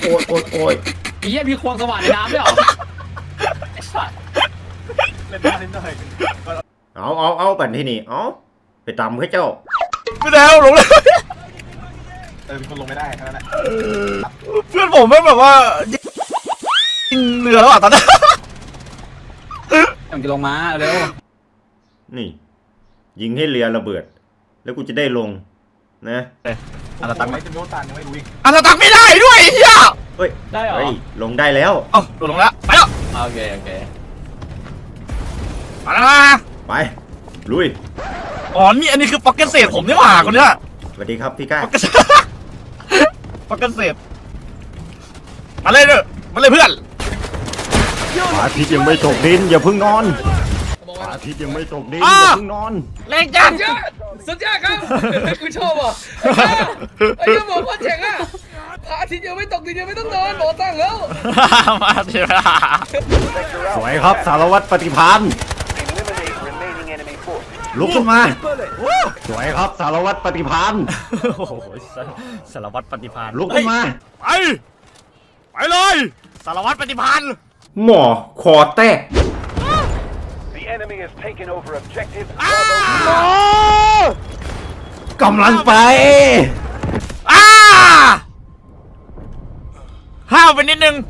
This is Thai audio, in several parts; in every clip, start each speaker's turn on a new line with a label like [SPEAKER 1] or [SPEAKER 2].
[SPEAKER 1] โอ้ยไอ้เหี้ยมีควงสว่านในน้ำด้วยเหรอไอ้สัส
[SPEAKER 2] เล่นได้เล่นได้
[SPEAKER 3] เอาบันที่นี่เอาไปตำให้เจ้า
[SPEAKER 4] ไม่แล้วลงเลย
[SPEAKER 2] มีคนลงไม่ได้แค่นั้นแหละ
[SPEAKER 4] เพื่อนผมไม่แบบว่ายิงเรือแล้วอ่ะตอนนี้
[SPEAKER 1] มันจะลงมาเร็ว
[SPEAKER 3] นี่ยิงให้เรือระเบิดแล้วกูจะได้ลงนะ
[SPEAKER 4] อันตัง
[SPEAKER 2] ไม่จะโดนตันยังไม่รู้อีก
[SPEAKER 4] อันตังไม่ได้ด้วยเฮีย
[SPEAKER 3] เฮ้ย
[SPEAKER 1] ได้เหรอ
[SPEAKER 3] ลงได้แล้ว
[SPEAKER 4] เอ้าลงแล้วไปแล้ว
[SPEAKER 1] โอเค
[SPEAKER 4] มาแล้ว
[SPEAKER 3] ไปลุย
[SPEAKER 4] อ๋อนี่อันนี้คือป๊อกเก็ตเศษผมนี่หว่าคนเนี้ย
[SPEAKER 3] สวัสดีครับพี่ก้า
[SPEAKER 4] ป๊อกเก็ตเศษมาเลยเพื่อน
[SPEAKER 3] พระอาทิตย์ยังไม่ตกดินอย่าเพิ่งนอนพระอาทิตย์ยังไม่ตกดินอย่าเพิ่งนอน
[SPEAKER 4] แรงจัง
[SPEAKER 1] สุดยอดครับกูชอบอ่ะไอ้เจ้าหมอพ่อเจ๋งอ่ะพระอาทิตย์ยังไม่ตกดินยังไม่ต้องนอนหมอตั้งแล้ว
[SPEAKER 4] มาเถอะ
[SPEAKER 3] สวยครับสารวัตรปฏิภาณลุกขึ้นมาสวยครับสารวัตรปฏิภาณ
[SPEAKER 4] โอ้โหสารวัตรปฏิภาณ
[SPEAKER 3] ลุกขึ้นมา
[SPEAKER 4] ไปเลยสารวัตรปฏิภาณ
[SPEAKER 3] หมอคอแตกกำลังไป
[SPEAKER 4] ห้าวไปนิดนึง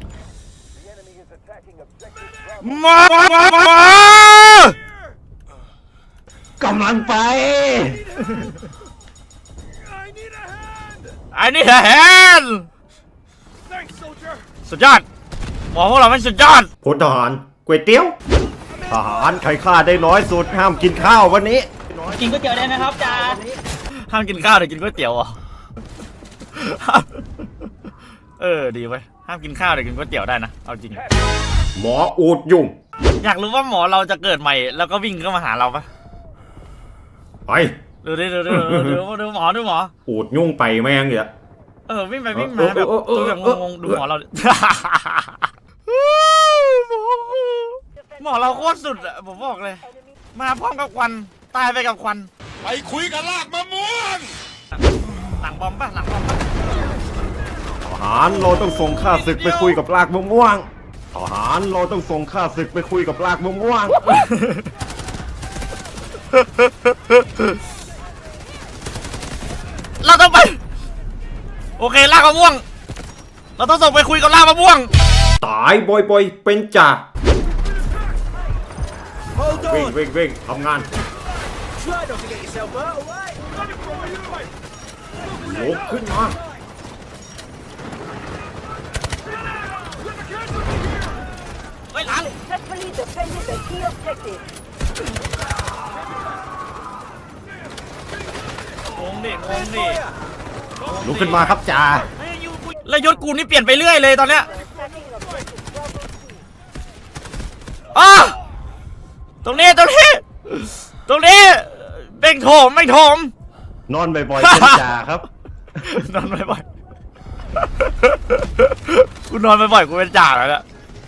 [SPEAKER 4] ม
[SPEAKER 3] ากำลังไป
[SPEAKER 4] ไอ้นี่แฮนสุดยอดหมอพวกเราไม่สุดยอด
[SPEAKER 3] พลทหารก๋วยเตี๋ยวทหารใครฆ่าได้น้อยสุดห้ามกินข้าววันนี้
[SPEAKER 1] กินก๋วยเตี๋ยวได้นะครับจ่า
[SPEAKER 4] ห้ามกินข้าวแต่กินก๋วยเตี๋ยวอ่ะดีไว้ห้ามกินข้าวแต่กินก๋วยเตี๋ยวได้นะเอาจริง
[SPEAKER 3] หมออูดยุ่ง
[SPEAKER 4] อยากรู้ว่าหมอเราจะเกิดใหม่แล้วก็วิ่งเข้ามาหาเราปะ
[SPEAKER 3] ไป
[SPEAKER 4] ดูหมอ
[SPEAKER 3] อูดยุ่งไปแม่งเนี่ย
[SPEAKER 4] วิ่งไปวิ่งมาแบบตัวแบบงงๆดูหมอเราหมอเราโคตรสุดอะผมบอกเลยมาพร้อมกับควันตายไปกับควัน
[SPEAKER 2] ไปคุยกับลากมะม่วง
[SPEAKER 4] หลังบอมป่ะ
[SPEAKER 3] ทหารเราต้องส่งข้าศึกไปคุยกับลากมะม่วงทหารเราต้องส่งข้าศึกไปคุยกับลากมะม่วง
[SPEAKER 4] เราต้องไปโอเคลากมะม่วงเราต้องส่งไปคุยกับลากมะม่วง
[SPEAKER 3] ตายบ่อยเป็นจ่าวิ่งทำงานลุกขึ้นมา
[SPEAKER 4] ไปหลังงงดิ
[SPEAKER 3] ลุกขึ้นมาครับจ่า
[SPEAKER 4] แล้วยศกูนี่เปลี่ยนไปเรื่อยเลยตอนเนี้ยตรงนี้เบ่งโถมไม่โถม
[SPEAKER 3] นอนบ่อยๆเป็นจ่าครับ
[SPEAKER 4] นอนบ่อยๆกูนอนบ่อยๆกูเป็นจ่าแล้วเนี่ย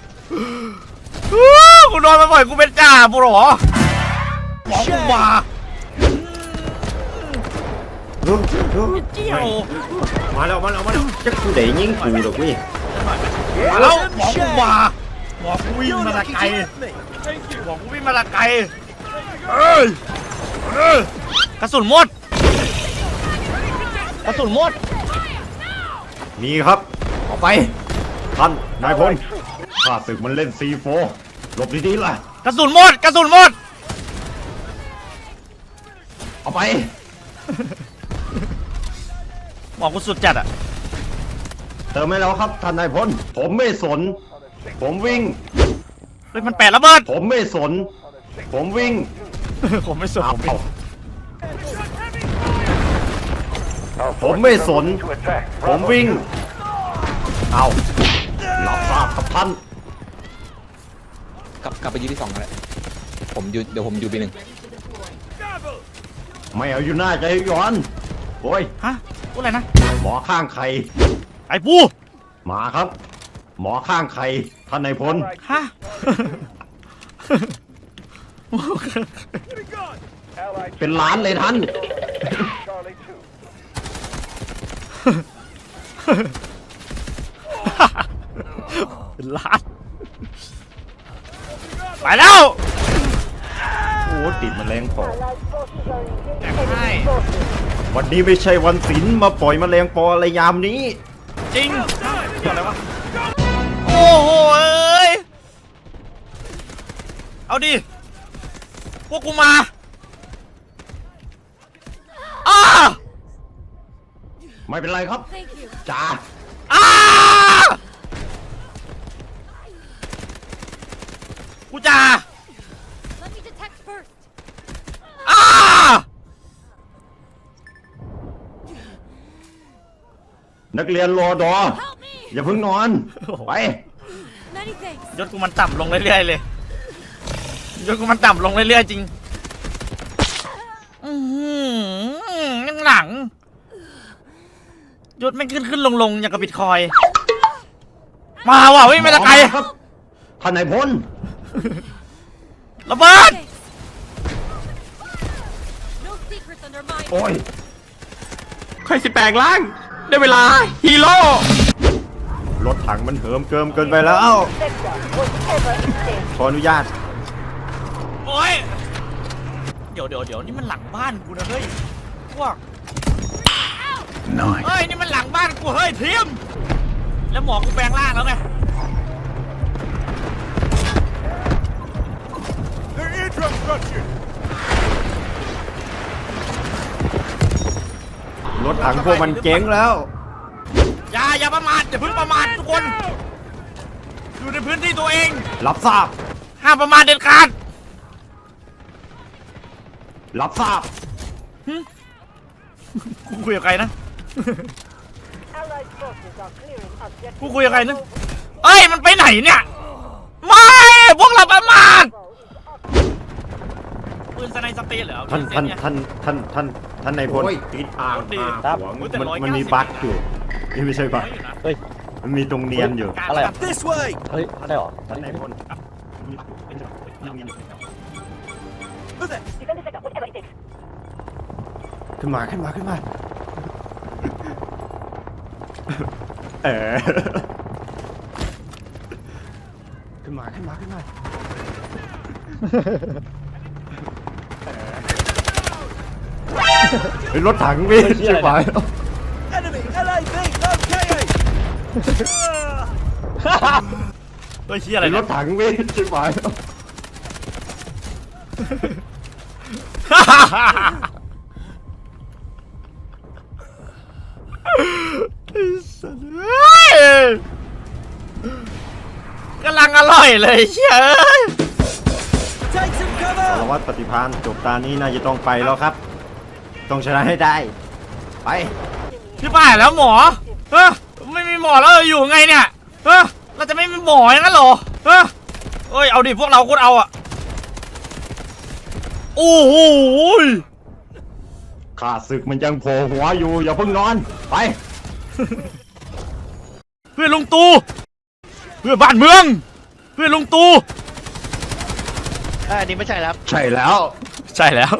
[SPEAKER 4] กูนอนบ่อยๆกูเป็นจ่าบุหรอหมอกูมาเจียว
[SPEAKER 3] มาแล้วจะกูได้ยิงกูหรอกพี่
[SPEAKER 4] มาแล้วหมอกูมาหมอกูวิ่งมาละไกลกระสุนหมด
[SPEAKER 3] มีครับออกไปท่านนายพลข้าศึกมันเล่น C4 หลบดีๆล่ะ
[SPEAKER 4] กระสุนหมด
[SPEAKER 3] เอาไป
[SPEAKER 4] หมอกูสุดจัดอะ
[SPEAKER 3] เติมให้แล้วครับท่านนายพลผมไม่สนผมวิ่ง
[SPEAKER 4] เฮ้ยมันแปะระเบิด
[SPEAKER 3] ผมไม่สนผมวิ่ง
[SPEAKER 4] ผมไม่สน
[SPEAKER 3] ผมไม่สนผมวิ่งเอารับทราบครับท่าน
[SPEAKER 1] กลับไปยืนที่2เลยเดี๋ยวผมอยู่ปี1
[SPEAKER 3] ไม่เอาอยู่หน้าใจย้อนโอ้ย
[SPEAKER 4] พูดอะไรนะ
[SPEAKER 3] หมอข้างใคร
[SPEAKER 4] ไอ้ปู
[SPEAKER 3] มาครับหมอข้างใครท่านนายพลเป็นล้านเลยท่าน
[SPEAKER 4] เป็นล้านไปแล้ว
[SPEAKER 3] โอ้ติดแมลงปอ
[SPEAKER 4] แตกให้
[SPEAKER 3] วันนี้ไม่ใช่วันศิลป์มาปล่อยแมลงปออะไรยามนี้
[SPEAKER 4] จริงเกี่ยวอะไรวะโอ้โหเอ้ยเอาดิพวกกูมาอ้า
[SPEAKER 3] ไม่เป็นไรครับจ้า
[SPEAKER 4] อ้ากูจ่า
[SPEAKER 5] Let me detect first.
[SPEAKER 4] อ้า
[SPEAKER 3] นักเรียนรอดอ
[SPEAKER 5] Help me.
[SPEAKER 3] อย่าเพิ่งนอน ไป
[SPEAKER 5] Many thanks.
[SPEAKER 4] ยศกูมันต่ำลงเรื่อยๆเลยยศกูมันต่ำลงเรื่อยๆจริงยังหลังยศไม่ขึ้นลงอย่างกับบิตคอยน์มาว่ะเฮ้ยไม่ตะไกล
[SPEAKER 3] ครับท่านนายพล
[SPEAKER 4] ระเบิด
[SPEAKER 5] Thanks. No secrets under my.
[SPEAKER 3] โอ้ย
[SPEAKER 6] ค่อยสิแปลงร่าง ได้เวลา ฮีโร่
[SPEAKER 3] รถถังมันเหิมเกิมเกินไปแล้ว ขออนุญาต
[SPEAKER 4] โอ้ยเดี๋ยวนี่มันหลังบ้านกูนะเฮ้ยพวกเฮ้ยนี่มันหลังบ้านกูเฮ้ยทีมแล้วหมอกูแปลงร่างแล้วไง
[SPEAKER 3] รถถังพวกมันเจ๊งแล้ว
[SPEAKER 4] อย่าประมาทอย่าเพิ่งประมาททุกคนอยู่ในพื้นที่ตัวเอง
[SPEAKER 3] รับทราบ
[SPEAKER 4] ห้ามประมาทเด็ดขาด
[SPEAKER 3] รับทราบ
[SPEAKER 4] กูคุยกับใครนะ กูคุยกับใครนะเอ้ยมันไปไหนเนี่ยไม่พวกเราประมาทปืนสไนสเปรย์เหรอ
[SPEAKER 3] ท่านนายพลติดอ่างหวงมันมีบั๊กอยู่นี่ไม่ใช่บั๊ก
[SPEAKER 6] เฮ้ย
[SPEAKER 3] มันมีตรงเนียนอยู่
[SPEAKER 6] อะไรอ่ะ เฮ้ย อะไรหรอ
[SPEAKER 3] ท่านนายพล ขึ้นมาเออขึ้นมาเฮ้ยรถถังพี่ใช่ไหม
[SPEAKER 4] ตัวเชี่ยอะไร
[SPEAKER 3] ร
[SPEAKER 4] เนี่ย
[SPEAKER 3] ถถังพี่ใช่ไหม
[SPEAKER 4] กำลังอร่อยเลยเชี่ย
[SPEAKER 3] สารวัตรปฏิภาณจบตานี้น่าจะต้องไปแล้วครับ ต้องชนะให้ได้ ไป
[SPEAKER 4] พี่ป้าแล้วหมอไม่มีหมอแล้วอยู่ไงเนี่ยเราจะไม่มีหมออย่างนั้นเหรอเอ้ยเอาดิพวกเราโคตรเอาอ่ะโอ้โห
[SPEAKER 3] ข้าศึกมันยังโผล่หัวอยู่อย่าเพิ่งนอน ไป
[SPEAKER 4] เพื่อนลุงตู่เพื่อนบ้านเมืองเพื่อนลุงตู่
[SPEAKER 6] อันนี้ไม่ใช่ครับ
[SPEAKER 3] ใช่แล้ว
[SPEAKER 4] ใช่แล้ว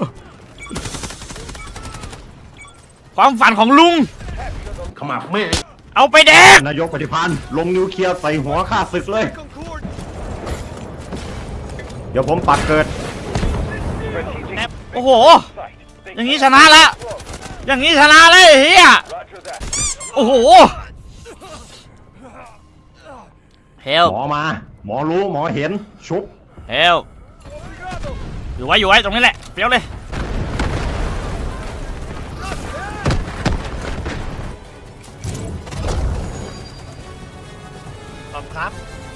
[SPEAKER 4] ความฝันของลุง
[SPEAKER 3] ขมับไม่
[SPEAKER 4] เอาไปแดก
[SPEAKER 3] นายกปฏิพันธ์ลงนิวเคลียร์ใส่หัวข้าศึกเลย เดี๋ยวผมปักเกิด
[SPEAKER 4] โอ้โหอย่างนี้ชนะละอย่างนี้ชนะเลยเฮียโอ้โหเฮล
[SPEAKER 3] หมอมา หมอรู้หมอเห็นชุบ
[SPEAKER 4] เฮลอยู่ไว้ตรงนี้แหละเปรี้ยวเลยขอบครับ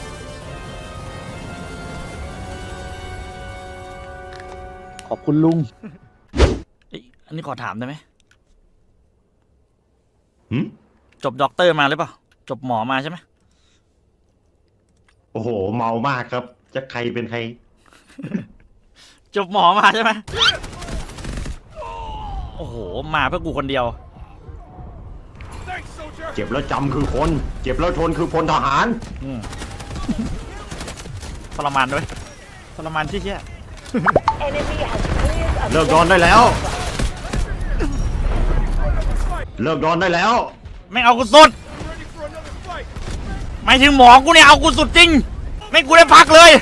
[SPEAKER 6] ขอบคุณลุง
[SPEAKER 4] อันนี้ขอถามได้ไหม
[SPEAKER 3] หืม
[SPEAKER 4] จบด็อกเตอร์มาหรือเปล่าจบหมอมาใช่ไหม
[SPEAKER 3] โอ้โห เมามากครับ จะใครเป็นใคร
[SPEAKER 4] จบหมอมาใช่ไหมโอ้โหมาเพื่อกูคนเดียว
[SPEAKER 3] เจ็บแล้วจำคือคน เจ็บแล้วทนคือพลทหาร
[SPEAKER 4] ทรมานด้วยทรมานที่เชี่ย
[SPEAKER 3] เลิกนอนได้แล้ว เลิกนอนได้แล้ว
[SPEAKER 4] ไม่งเอากูสุดไม่ถึงหมอกูเนี่ยเอากูสุดจริงไม่กูได้พักเลย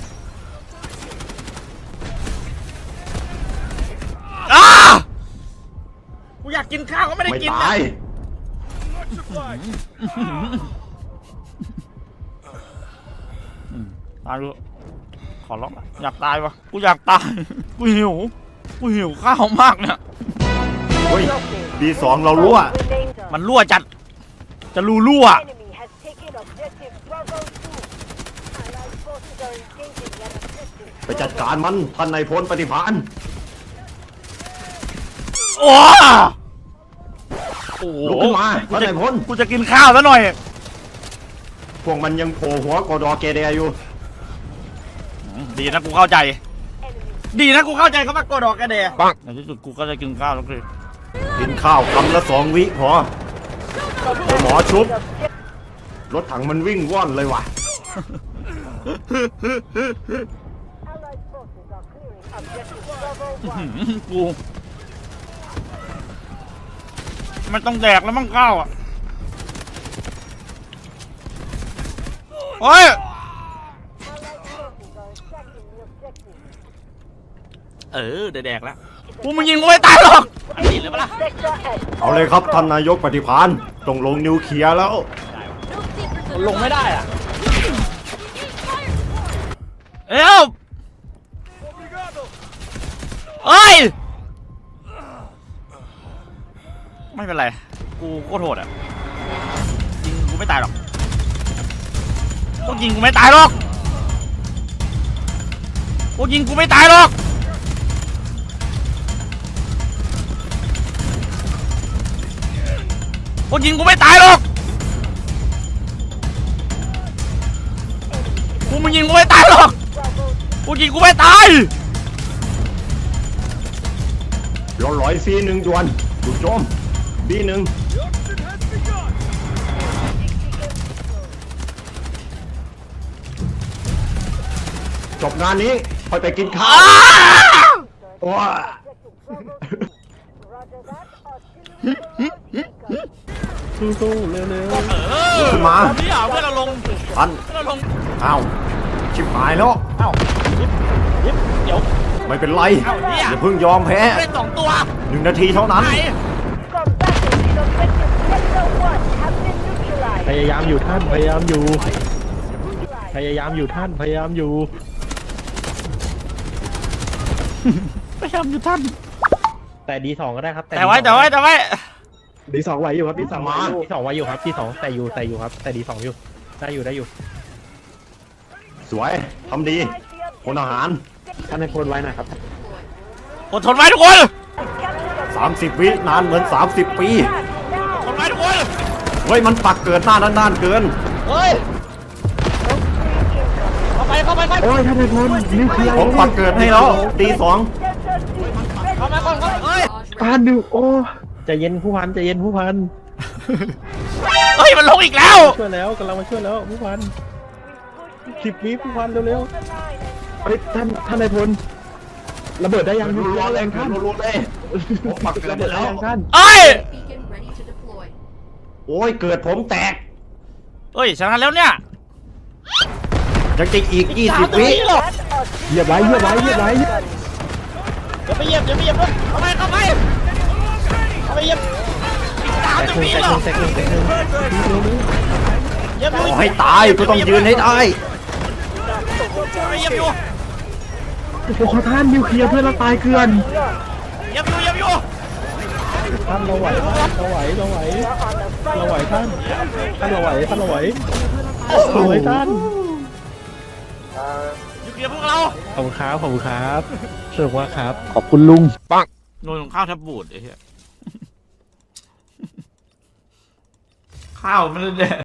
[SPEAKER 4] กูอยากกินข้าวก็ไม่ได้
[SPEAKER 3] ไม่
[SPEAKER 4] กิน
[SPEAKER 3] ตาย
[SPEAKER 4] ตายเลยขอร้องอยากตายวะกูอยากตายกูหิวข้าวมากเนี่ย
[SPEAKER 3] เฮ้ยดีสองเรารั่ว
[SPEAKER 4] มันรั่วจัดจะรั่ว
[SPEAKER 5] Enemy has taken objective Bravo 2. Allied forces are engaging that objective.
[SPEAKER 3] ไปจัดการมันท่านนายพลปฏิภาณ
[SPEAKER 4] โอ้โห
[SPEAKER 3] ลุกขึ้นมาท่านนายพล
[SPEAKER 4] กูจะกินข้าวซะหน่อย
[SPEAKER 3] พวกมันยังโผล่หัวกอดอเกเดอยู่
[SPEAKER 4] ดีนะกูเข้าใจ ดีนะกูเข้าใจเขามากดดอกกระเดะในที่สุดกูก็จะกินข้าวแล้วคือ
[SPEAKER 3] กินข้าวคำละ2 วิพอหมอชุบรถถังมันวิ่งว่อนเลยว่ะ
[SPEAKER 5] Allied forces are clearing objective Bravo 1.
[SPEAKER 4] กูมันต้องแดกแล้วมั่งข้าวอ่ะโอ้ย
[SPEAKER 5] Allied forces are attacking the objective.
[SPEAKER 4] แดกแล้วกูมึงยิงกูไม่ตายหรอกอันนี้เลยปะล่ะ
[SPEAKER 5] Sector S.
[SPEAKER 3] เอาเลยครับท่านนายกปฏิภาณต้องลงนิวเคลียร์แล้ว
[SPEAKER 5] No secrets under
[SPEAKER 1] ลงไม่ได้อ่ะ
[SPEAKER 4] เอ้าเอ้ยไม่เป็นไรกูโคตรโหดอ่ะยิงกูไม่ตายหรอกพวกยิงกูไม่ตายหรอกพวกยิงกูไม่ตายหรอกพวกยิงกูไม่ตายหรอกพวกมึงยิงกูไม่ตายหรอกพวกยิงกูไม่ตาย
[SPEAKER 3] เราลอยซี1ด่วนดูโจมB1จบงานนี้ค่อยไปกินข้าวโอ้ย
[SPEAKER 5] Roger that. Artillery.
[SPEAKER 6] สู้ๆเร็ว
[SPEAKER 3] ขึ้นมา
[SPEAKER 4] พี่เอาเพื่อนเราลง
[SPEAKER 3] ท่าน
[SPEAKER 4] เพื่อนเราลง
[SPEAKER 3] อ้าวชิบหายแล้ว
[SPEAKER 4] เอ้าเดี๋ยว
[SPEAKER 3] ไม่เป็นไร
[SPEAKER 4] เอ้าเนี่ย
[SPEAKER 3] อย่าเพิ่งยอมแพ้
[SPEAKER 4] เล่น2 ตัว
[SPEAKER 3] 1 นาทีเท่านั้น
[SPEAKER 4] ไหน
[SPEAKER 5] Combatants in objective Sector 1 have been neutralized.
[SPEAKER 6] ๆพยายามอยู่ท่านพยายามอยู่ พยายามอยู่ท่านพยายามอยู่
[SPEAKER 4] พยายามอยู่ท่าน
[SPEAKER 6] แต่ดีสองก็ได้ครับ
[SPEAKER 4] แต่ไว้
[SPEAKER 6] ดีสองไหวอยู่ครับดีสองไหวอยู่ดีสองไหวอยู่ครับดีสองแต่อยู่ครับแต่ดีสองอยู่ได้อยู่
[SPEAKER 3] สวยทำดีพลทหาร
[SPEAKER 6] ท่านในพลไว้หน่อยครับ
[SPEAKER 4] อดทนไว้ทุกคน
[SPEAKER 3] 30 วินานเหมือน 30 ปี
[SPEAKER 4] อดทนไว้ทุกคน
[SPEAKER 3] เฮ้ย มันปักเกิดหน้าด้านๆเกิน
[SPEAKER 4] เฮ้ยเข้าไป
[SPEAKER 6] โอ้ยท่านในพลนิวเคลียร์
[SPEAKER 3] ผมปักเกิดให้แล้วดีสอง
[SPEAKER 4] เข้ามาก่อนเฮ้ย
[SPEAKER 6] ท่านดูโอ้ใจเย็นผู้พันใจเย็นผู้พัน
[SPEAKER 4] เฮ้ยมันลงอีกแล้ว
[SPEAKER 6] ช่วยแล้วกำลังมาช่วยแล้วผู้พัน10 วิผู้พันเร็วๆเฮ้ยท่านในพลระเบิดได้ยัง
[SPEAKER 3] รัวๆเลยรัวๆเลยผมปักเกิด
[SPEAKER 6] ระเบิด
[SPEAKER 3] แล้
[SPEAKER 6] ได้
[SPEAKER 3] ว
[SPEAKER 6] ยังท่าน
[SPEAKER 4] เอ้ย
[SPEAKER 5] Beacon ready to deploy.
[SPEAKER 3] โอ้ย เกิดผมแตก
[SPEAKER 4] เฮ้ยชนะแล้วเนี่ย
[SPEAKER 3] ยังจะอีก 20 วิ
[SPEAKER 6] เหยียบไว้
[SPEAKER 4] อย่าไปเหยียบด้วยเข้าไปเหยียบเหยียบเหยียบอีก30 วิหรอ
[SPEAKER 6] แตกหนึ่ง
[SPEAKER 4] เหยียบอยู่
[SPEAKER 3] ขอให้ตายก็ต้องยืนให้ได้
[SPEAKER 4] เหยียบอยู่
[SPEAKER 6] โอ้โหท่านนิวเคลียร์เพื่อนเราตายเกลือน
[SPEAKER 4] เหยียบอยู่
[SPEAKER 6] ท่านเราไหวท่านเราไหวท่านเราไหวท่านเราไหวท่าน
[SPEAKER 4] อยู่เกียร์พวกเรา
[SPEAKER 6] ขอบคุณครับสนุกมากครับขอบคุณลุง
[SPEAKER 4] โดนข้าวแทบบูดไอ้เหี้ยข้าวมันเลยแด